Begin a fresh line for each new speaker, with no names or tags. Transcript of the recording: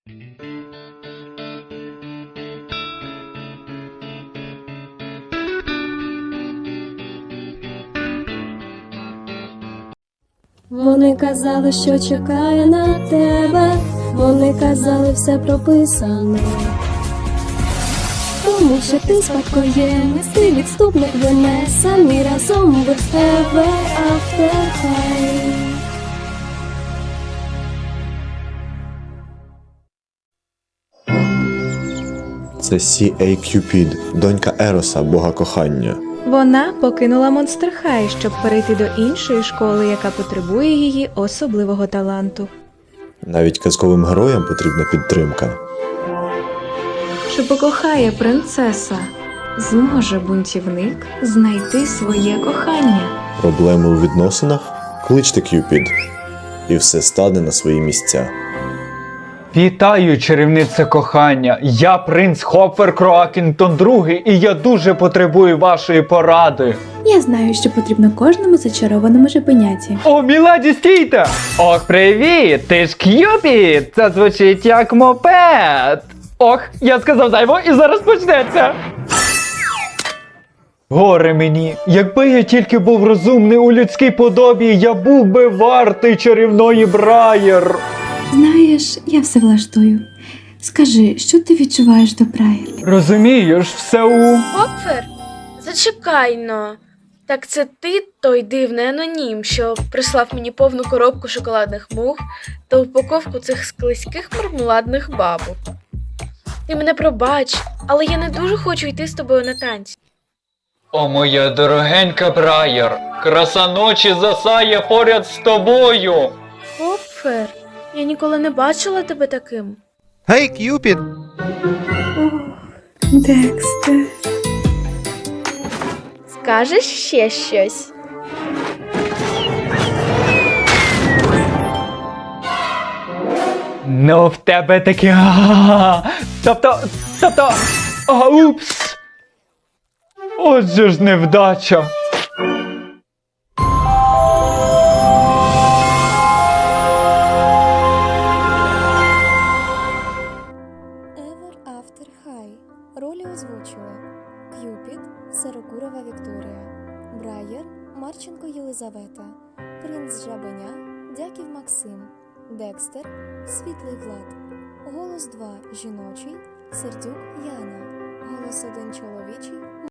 Вони казали, що чекає на тебе, вони казали, все прописано. Тому що ти спадкоємець, ти відступник вине, самі разом без тебе After High.
Це C.A. Cupid, донька Ероса, бога кохання.
Вона покинула Монстер Хай, щоб перейти до іншої школи, яка потребує її особливого таланту.
Навіть казковим героям потрібна підтримка.
Чи покохає принцеса? Зможе бунтівник знайти своє кохання?
Проблеми у відносинах? Кличте Кюпід. І все стане на свої місця.
Вітаю, чарівнице кохання! Я принц Хопфер Кроакінтон II, і я дуже потребую вашої поради.
Я знаю, що потрібно кожному зачарованому жабеняті.
О, міледі, стійте! Ох, привіт! Ти ж К'юпід! Це звучить як мопед! Ох, я сказав зайво і зараз почнеться! Горе мені! Якби я тільки був розумний у людській подобі, я був би вартий чарівної Брайер!
Знаєш, я все влаштую. Скажи, що ти відчуваєш до Брайер?
Розумієш, все у...
Хопфер? Зачекай-но. Так це ти той дивний анонім, що прислав мені повну коробку шоколадних мух та упаковку цих склизьких мармеладних бабок. Ти мене пробач, але я не дуже хочу йти з тобою на танці.
О, моя дорогенька Брайер, краса ночі засяє поряд з тобою.
Хопфер, я ніколи не бачила тебе таким.
Гей, К'юпід!
Декстер.
Скажеш ще щось?
Ну, в тебе таке... Тобто... Упс! Отже ж невдача.
Ever After High. Ролі озвучили К'юпід – Сирокурова Вікторія, Брайер – Марченко Єлизавета, Принц Жабеня – Дяків Максим, Декстер – Світлий Влад, голос 2 – жіночий – Сердюк Яна, голос 1 – чоловічий